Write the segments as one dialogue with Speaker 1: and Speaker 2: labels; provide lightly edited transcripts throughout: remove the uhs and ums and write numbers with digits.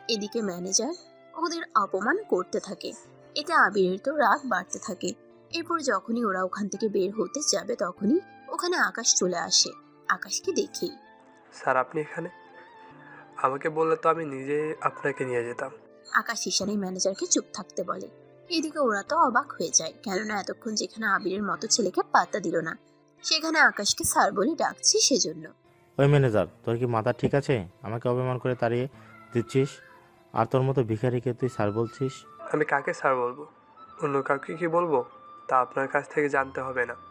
Speaker 1: এদিকে ম্যানেজার ওদের অপমান করতে থাকে। এতে আবিরের তো রাগ বাড়তে থাকে। এরপর যখনই ওরা ওখান থেকে বের হতে যাবে তখনই ওখানে আকাশ চলে আসে। আকাশকে দেখেই
Speaker 2: স্যার আপনি এখানে? আমাকে বললে তো আমি নিজে আপনাকে নিয়ে যেতাম।
Speaker 1: আকাশ ইশারায় ম্যানেজারকে চুপ থাকতে বলে। এদিকে ওরা তো অবাক হয়ে যায়, কেননা এতক্ষণ যেখানে আবিরের মতো ছেলেকে পাত্তা দিল না, সেখানে আকাশকে স্যার বলে ডাকছি সেজন্য।
Speaker 3: ওই ম্যানেজার, তোর কি মাথা ঠিক আছে? আমাকে অপমান করে তাড়িয়ে দিচ্ছিস, আর তোর মতো ভিখারিকে তুই স্যার বলছিস?
Speaker 2: আমি কাকে স্যার বলবো? অন্য কাউকে কি বলবো তা আপনার কাছ থেকে জানতে হবে না।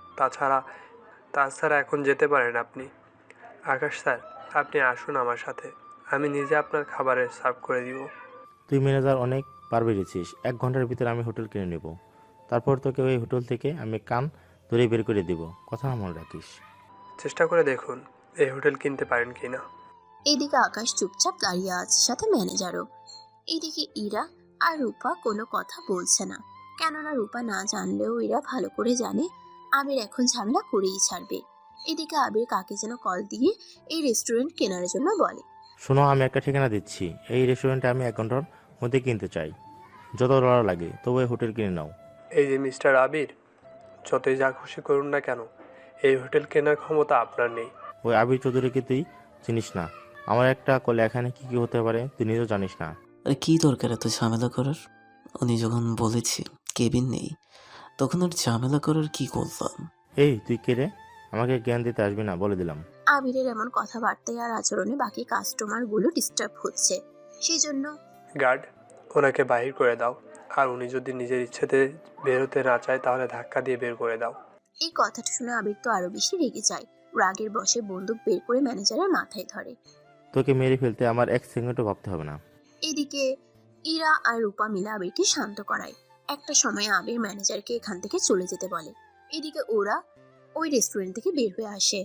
Speaker 2: তাছাড়া এখন যেতে পারেন আপনি। আকাশ স্যার, আপনি আসুন আমার সাথে, আমি নিজে আপনার খাবারে সার্ভ করে দিব।
Speaker 3: তুই ম্যানেজার অনেক পার বেড়েছিস। 1 ঘন্টার ভিতরে আমি হোটেল কিনে নেব, তারপর তোকে ওই হোটেল থেকে আমি কান ধরে বের করে দিব। কথা মনে রাখিস।
Speaker 2: চেষ্টা করে দেখুন এই হোটেল কিনতে পারেন কি না।
Speaker 1: এদিকে আকাশ চুপচাপ দাঁড়িয়ে আছে, সাথে ম্যানেজারও। এদিকে ইরা আর রূপা কোনো কথা বলছে না, কেননা রূপা না জানলেও ইরা ভালো করে জানে আবির এখন ঝামেলা করেই ছাড়বে। এদিকে আবির কাকে যেন কল দিয়ে এই রেস্টুরেন্ট কেনার জন্য বলে।
Speaker 3: শোনো, আমি একটা ঠিকানা দিচ্ছি। এই রেস্টুরেন্টে আমি 1 ঘন্টার মধ্যে কিনতে চাই। যত ডলার লাগে তবু এই হোটেল কিনে নাও।
Speaker 2: এই যে মিস্টার আবির, যতই যা খুশি করুন না কেন, এই হোটেল কেনার ক্ষমতা আপনার নেই।
Speaker 3: ওই আবির চৌধুরীকে তুই চিনিস না। আমার একটা কলে এখানে কি কি হতে পারে তুই নিজেও জানিস না।
Speaker 4: আরে কি দরকার এত ঝামেলা করার? উনি যখন বলেছি কেবিন নেই, তখন আর ঝামেলা করার কি করলাম?
Speaker 3: এই তুই কে রে? আমাকে জ্ঞান দিতে আসবি না, বলে দিলাম।
Speaker 1: আবিরের এমন কথাবার্তায় আর আচরণে বাকি কাস্টমারগুলো ডিস্টার্ব হচ্ছে, সেই জন্য
Speaker 2: গার্ড, ওনাকে বাহির করে দাও। আর উনি যদি নিজের ইচ্ছেতে বের হতে না চায় তাহলে ধাক্কা দিয়ে বের করে দাও।
Speaker 1: এই কথাটা শুনে আবির তো আরো বেশি রেগে যায়। রাগের বশে বন্দুক বের করে ম্যানেজারের মাথায় ধরে।
Speaker 3: তোকে মেরে ফেলতে আমার 1 সেকেন্ডও ভাবতে হবে না।
Speaker 1: এদিকে ইরা আর রূপা মিলে আবিরকে শান্ত করায়। একটা সময় আবির ম্যানেজারকে এখান থেকে চলে যেতে বলে। এদিকে ওরা ওই রেস্টুরেন্ট থেকে বের হয়ে আসে,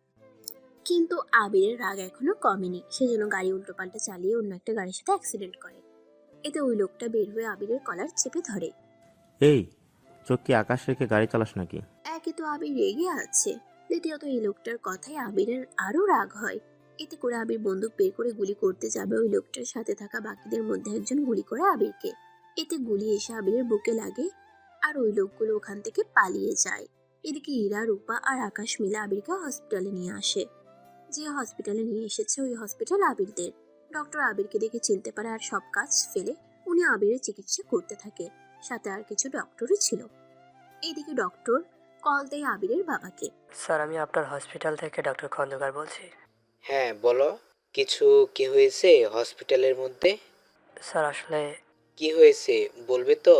Speaker 1: কিন্তু আবিরের রাগ এখনো কমেনি। সেজন্য গাড়ি উল্টোপাল্টা চালিয়ে অন্য একটা গাড়ির সাথে অ্যাক্সিডেন্ট করে। এতে ওই লোকটা বের হয়ে আবিরের কলার চেপে ধরে।
Speaker 3: এই, চোখ কি আকাশ রেখে গাড়ি চালাস নাকি?
Speaker 1: একে তো আবির রেগে আছে, দ্বিতীয়ত এই লোকটার কথায় আবিরের আরো রাগ হয়। এতে করে আবির বন্দুক বের করে গুলি করতে যাবে ওই লোকটার সাথে থাকা বাকিদের মধ্যে একজন গুলি করে আবিরকে। এতে গুলি এসে আবিরের বুকে লাগে আর ওই লোকগুলো ওখান থেকে পালিয়ে যায়। এদিকে ইরা, রূপা আর আকাশ মিলে আবিরকে হসপিটালে নিয়ে আসে। যে হসপিটালে নিয়ে এসেছে ওই হসপিটাল আবিরদের। ডক্টর আবিরকে দেখে চিনতে পারে আর সব কাজ ফেলে উনি আবিরের চিকিৎসা করতে থাকে। সাথে আর কিছু ডক্টরও ছিল। এইদিকে ডক্টর কল দেয় আবিরের বাবাকে।
Speaker 5: স্যার, আমি আপনার হসপিটাল থেকে ডক্টর খন্দকার বলছি।
Speaker 6: হ্যাঁ বলো, কিছু কি হয়েছে হসপিটালের মধ্যে?
Speaker 5: স্যার, আসলে
Speaker 6: কি হয়েছে বলবে তো?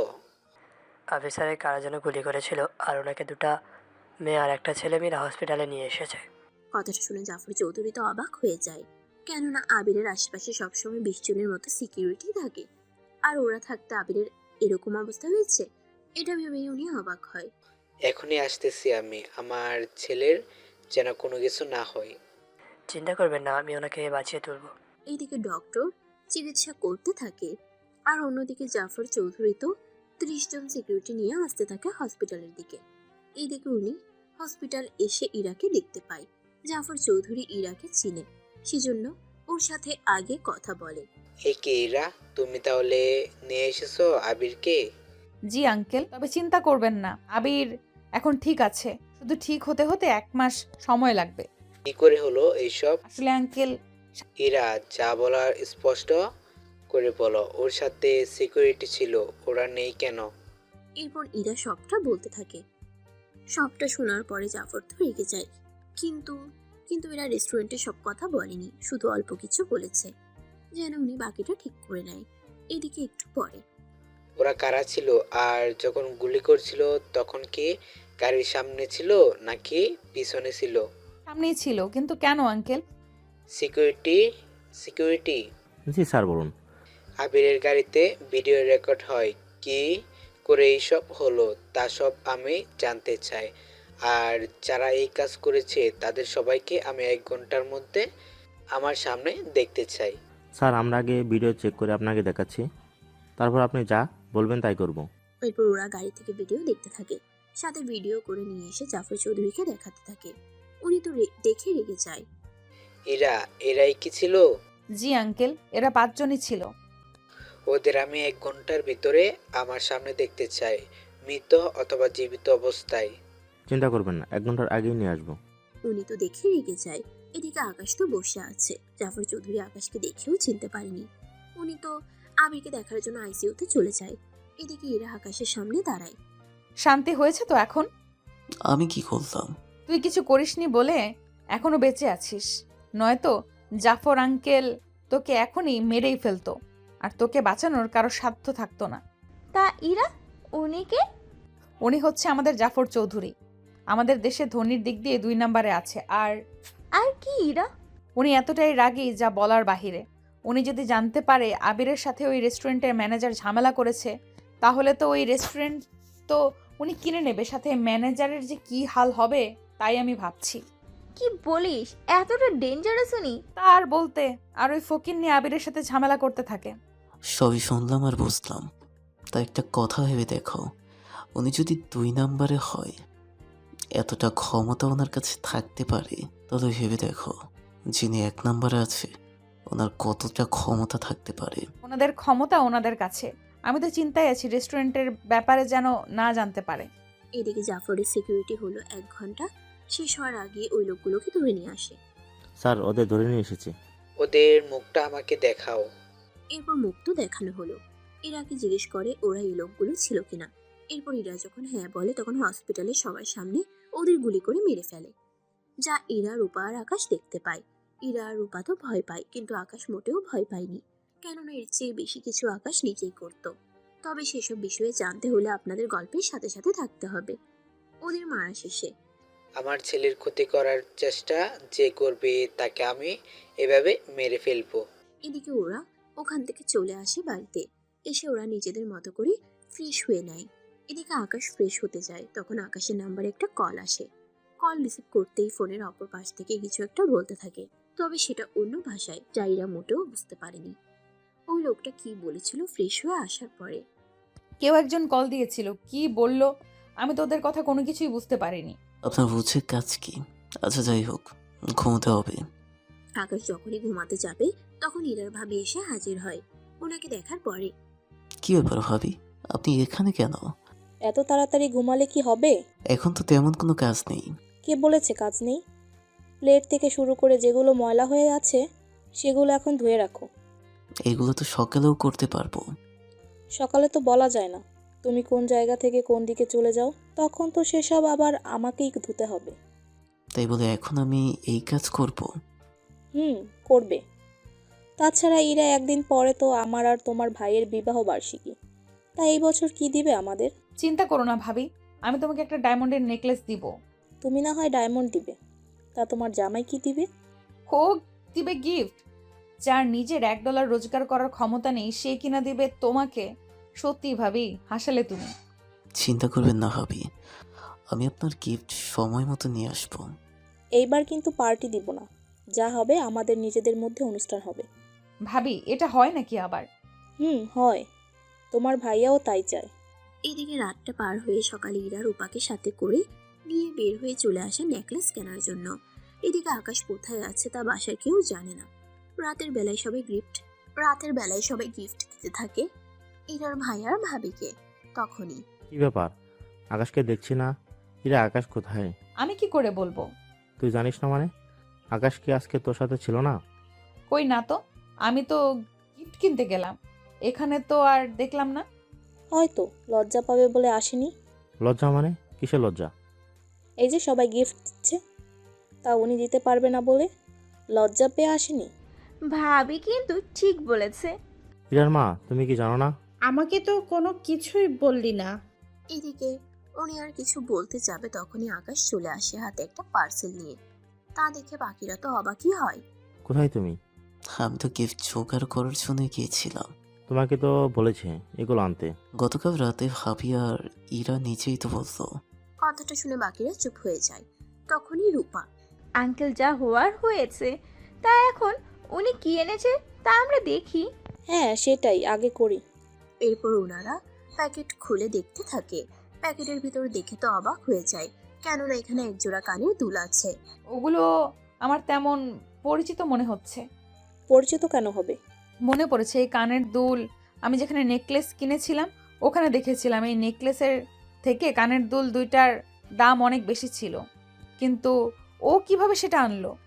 Speaker 5: আবির স্যারের কারা যেন গুলি করেছিল, আর ওনাকে দুটা মেয়ে আর একটা ছেলে মেয়েরা হসপিটালে নিয়ে এসেছে।
Speaker 1: কথাটা শুনে জাফর চৌধুরী তো অবাক হয়ে যায়, কেননা আবিরের আশেপাশে সবসময় 20 জনের মতো সিকিউরিটি থাকে, আর ওরা থাকতে আবিরের এরকম অবস্থা হয়েছে, এটা ভেবেই উনি অবাক হয়।
Speaker 6: এখনই আসতেছি আমি, আমার ছেলের যেন কোনো কিছু না হয়।
Speaker 5: চিন্তা করবেন না, আমি ওনাকে বাঁচিয়ে তুলব।
Speaker 1: এইদিকে ডক্টর চিকিৎসা করতে থাকে, আর অন্যদিকে জাফর চৌধুরী তো 30 জন সিকিউরিটি নিয়ে আসতে থাকে হসপিটালের দিকে। এইদিকে উনি হসপিটাল এসে ইরাকে দেখতে পায়। জাফর চৌধুরী ইরাকে চিনে, সেজন্য ওর সাথে আগে কথা বলে।
Speaker 6: এই কে এরা? তুমি তাহলে নিয়ে এসেছো আবিরকে?
Speaker 7: জি আঙ্কেল, তবে চিন্তা করবেন না, আবির এখন ঠিক আছে। শুধু ঠিক হতে হতে 1 মাস সময় লাগবে।
Speaker 6: কি করে হলো এইসব?
Speaker 7: আসলে আঙ্কেল,
Speaker 6: এরা যা বলার স্পষ্ট করে বলো। ওর সাথে সিকিউরিটি ছিল, ওরা নেই কেন?
Speaker 1: এরপর ইরা সবটা বলতে থাকে। সবটা শোনার পরে জাফর তো রেগে যায়, কিন্তু কিন্তু এরা রেস্টুরেন্টে সব কথা বলেনি, শুধু অল্প কিছু বলেছে, যেন উনি বাকিটা ঠিক করে নেয়। এদিকে একটু পরে
Speaker 6: ওরা কারা ছিল? আর যখন গুলি করছিল তখন কি গাড়ির সামনে ছিল নাকি পিছনে ছিল?
Speaker 7: সামনেই ছিল। কিন্তু কেন uncle?
Speaker 6: Security security
Speaker 3: ji sir, বলুন।
Speaker 6: আবিরের গাড়িতে ভিডিও রেকর্ড হয়, কি করে এইসব হলো তা সব আমি জানতে চাই। আর যারা এই কাজ করেছে তাদের সবাইকে আমি 1 ঘন্টার মধ্যে আমার সামনে দেখতে চাই।
Speaker 3: স্যার, আমরা আগে ভিডিও চেক করে আপনাকে দেখাচ্ছি, তারপর আপনি যা বলবেন তাই করব।
Speaker 1: এরপর ওরা গাড়ি থেকে ভিডিও দেখতে থাকে, সাথে ভিডিও করে নিয়ে এসে জাফর চৌধুরীকে দেখাতে থাকে। উনি তো দেখে রেগে যায়।
Speaker 6: এরাই কি ছিল?
Speaker 7: জি আঙ্কেল, এরা 5 জনই ছিল।
Speaker 6: ওদের আমি 1 ঘন্টার ভিতরে আমার সামনে দেখতে চাই, মৃত অথবা জীবিত অবস্থায়।
Speaker 3: চিন্তা করবেন না, 1 ঘন্টার আগেই নিয়ে আসবো।
Speaker 1: উনি তো দেখে রেগে যায়। এদিকে আকাশ তো বসে আছে। জাফর চৌধুরী আকাশকে দেখেও চিনতে পারেনি। উনি তো আবিরকে দেখার জন্য আইসিইউতে চলে যায়। এদিকে ইরা আকাশের সামনে দাঁড়ায়।
Speaker 7: শান্তি হয়েছে তো এখন?
Speaker 4: আমি কি করলাম?
Speaker 7: তুই কিছু করিসনি বলে এখনো বেঁচে আছিস, নয়তো জাফর আঙ্কেল তোকে এখনই মেরেই ফেলতো, আর তোকে বাঁচানোর কারো সাধ্য থাকতো না।
Speaker 8: তা ইরা, উনি কে?
Speaker 7: উনি হচ্ছে আমাদের জাফর চৌধুরী। আমাদের দেশে ধনির দিক দিয়ে 2 নম্বরে আছে। আর
Speaker 8: আর কি ইরা?
Speaker 7: উনি এতটাই রাগী যা বলার বাহিরে। উনি যদি জানতে পারে আবিরের সাথে ওই রেস্টুরেন্টের ম্যানেজার ঝামেলা করেছে, তাহলে তো ওই রেস্টুরেন্ট তো উনি কিনে নেবে, সাথে ম্যানেজারের যে কি হাল হবে তাই আমি ভাবছি।
Speaker 8: কি বলিস, এতটা ডেঞ্জারাস উনি?
Speaker 7: তার বলতে, আর ওই ফকির নিয়ে আবিরের সাথে ঝামেলা করতে থাকে।
Speaker 4: সবই শুনলাম আর বুঝলাম। তা একটা কথা ভেবে দেখো, উনি যদি 2 নম্বরে হয়, এতটা ক্ষমতা ওনার কাছে থাকতে পারে, তাহলে ভেবে দেখো যিনি 1 নম্বরে আছে ওনার কতটা ক্ষমতা থাকতে পারে।
Speaker 7: ওনাদের ক্ষমতা ওনাদের কাছে। আমি তো চিন্তায় আছি রেস্টুরেন্টের ব্যাপারে যেন না জানতে পারে।
Speaker 1: এদিকে জাফরের সিকিউরিটি হলো 1 ঘন্টা। শেষ হওয়ার আগে ওই লোকগুলোকে ধরে নিয়ে আসে।
Speaker 3: স্যার, ওদের ধরে নিয়ে এসেছি।
Speaker 6: ওদের মুখটা আমাকে দেখাও।
Speaker 1: এরপর মুখ তো দেখানো হলো। ইরাকে জিজ্ঞেস করে ওরা এই লোকগুলো ছিল কিনা। এরপর ইরা যখন হ্যাঁ বলে, তখন হসপিটালে সবার সামনে ওদের গুলি করে মেরে ফেলে। যা ইরা, রূপা আর আকাশ দেখতে পায়। ইরা আর রূপা তো ভয় পায়, কিন্তু আকাশ মোটেও ভয় পায়নি। কেননা এর চেয়ে বেশি কিছু আকাশ নিজেই করত। তবে সেসব বিষয়ে জানতে হলে আপনাদের গল্পের সাথে সাথে থাকতে হবে। ওদের মারা শেষে
Speaker 6: আমার ছেলের ক্ষতি করার চেষ্টা যে করবে তাকে আমি এভাবে মেরে ফেলবো।
Speaker 1: এদিকে ওরা ওখান থেকে চলে আসে বাড়িতে। এসে ওরা নিজেদের মতো করে ফ্রেশ হয়ে নেয়। এদিকে আকাশ ফ্রেশ হতে যায়, তখন আকাশের নাম্বারে একটা কল আসে। কল রিসিভ করতেই ফোনের অপর পাশ থেকে কিছু একটা বলতে থাকে, তবে সেটা অন্য ভাষায়, যা ইরা মোটেও বুঝতে পারেনি। ওই লোকটা কি বলেছিল ফ্রেশ হয়ে আসার পরে।
Speaker 7: কেউ একজন কল দিয়েছিল, কি বলল আমি তো ওদের কথা কোনো কিছুই বুঝতে পারিনি।
Speaker 4: আপনার বুঝে কাজ কি? আচ্ছা যাই হোক, ঘুমোতে হবে।
Speaker 1: আকাশ যখনই ঘুমাতে যাবে, তখন ইরার ভাবি এসে হাজির হয়। ওনাকে দেখার পরে
Speaker 4: কি ব্যাপার ভাবি, আপনি এখানে কেন?
Speaker 9: এত তাড়াতাড়ি ঘুমালে কি হবে?
Speaker 4: এখন তো তেমন কোনো কাজ নেই।
Speaker 9: কে বলেছে কাজ নেই? প্লেট থেকে শুরু করে যেগুলো ময়লা হয়ে আছে সেগুলো এখন ধুয়ে রাখো।
Speaker 4: এগুলো তো সকালেও করতে পারবো।
Speaker 9: সকালে তো বলা যায় না তুমি কোন জায়গা থেকে কোন দিকে চলে যাও, তখন তো সেসব আবার আমাকেই ধুতে হবে।
Speaker 4: তাই বলে এখন আমি এই কাজ করব?
Speaker 9: করবে। তাছাড়া ইরা একদিন পরে তো আমার আর তোমার ভাইয়ের বিবাহ বার্ষিকী। তা এই বছর কি দিবে আমাদের?
Speaker 7: চিন্তা করো না ভাবি, আমি তোমাকে একটা ডায়মন্ডের নেকলেস দিব।
Speaker 9: তুমি না হয় ডায়মন্ড দিবে, তা তোমার জামাই কি দিবে?
Speaker 7: ও দিবে গিফট। যার নিজের $1 রোজগার করার ক্ষমতা নেই, সে কিনা দিবে তোমাকে। সত্যি ভাবি, হাসালে তুমি।
Speaker 4: চিন্তা করবেন না ভাবি, আমি আপনার গিফট সময় মতো নিয়ে আসবো।
Speaker 9: এইবার কিন্তু পার্টি দিব না, যা হবে আমাদের নিজেদের মধ্যে অনুষ্ঠান হবে।
Speaker 7: ভাবি, এটা হয় নাকি আবার?
Speaker 9: হয়। তোমার ভাইয়াও তাই চায়।
Speaker 1: এদিকে রাতটা পার হয়ে সকালে ইরা রূপাকে সাথে করে নিয়ে বের হয়ে চলে আসে নেকলেস কেনার জন্য। এদিকে আকাশ কোথায় আছে তা বাসার কেউ জানে না। রাতের বেলায় সবাই গিফট দিতে থাকে ইরার ভাই আর ভাবিকে। তখনই
Speaker 3: কি ব্যাপার, আকাশকে দেখছি না। ইরা, আকাশ কোথায়?
Speaker 7: আমি কি করে বলবো?
Speaker 3: তুই জানিস না মানে? আকাশ কি আজকে তোর সাথে ছিল না?
Speaker 7: কই না তো, আমি তো গিফট কিনতে গেলাম, এখানে তো আর দেখলাম না।
Speaker 9: হয়তো লজ্জা পাবে বলে আসেনি।
Speaker 3: লজ্জা মানে? কিসের লজ্জা?
Speaker 9: এই যে সবাই গিফট দিচ্ছে, তা উনি দিতে পারবে না বলে লজ্জা পেয়ে আসেনি।
Speaker 8: ভাবি কিন্তু ঠিক বলেছে।
Speaker 3: ইরার মা, তুমি কি জানো না?
Speaker 10: আমাকে তো কোনো কিছুই বললি না।
Speaker 1: এদিকে উনি আর কিছু বলতে যাবে, তখনই আকাশ চলে আসে হাতে একটা পার্সেল নিয়ে। তা দেখে বাকিরা তো অবাকই হয়।
Speaker 3: কোথায় তুমি?
Speaker 4: আমি তো গিফট জোগাড় করার জন্য গিয়েছিলাম।
Speaker 3: তোমাকে তো বলেছে এগুলো আনতে।
Speaker 4: গতকাল রাতে ভাবি আর ইরা নিজেই তো বলতো।
Speaker 1: কথাটা শুনে বাকিরা চুপ হয়ে যায়। তখনই রূপা
Speaker 8: আঙ্কেল, যা হওয়ার হয়েছে, তা এখন উনি কি এনেছে তা আমরা দেখি।
Speaker 9: হ্যাঁ সেটাই আগে করি।
Speaker 1: এরপর ওনারা প্যাকেট খুলে দেখতে থাকে। প্যাকেটের ভিতর দেখে তো অবাক হয়ে যায়, কেননা এখানে একজোড়া কানের দুল আছে।
Speaker 7: ওগুলো আমার তেমন পরিচিত মনে হচ্ছে।
Speaker 9: পরিচিত কেন হবে?
Speaker 7: মনে পড়েছে এই কানের দুল আমি যেখানে নেকলেস কিনেছিলাম ওখানে দেখেছিলাম এই নেকলেসের থেকে কানের দুল দুইটার দাম অনেক বেশি ছিল, কিন্তু ও কিভাবে সেটা আনলো?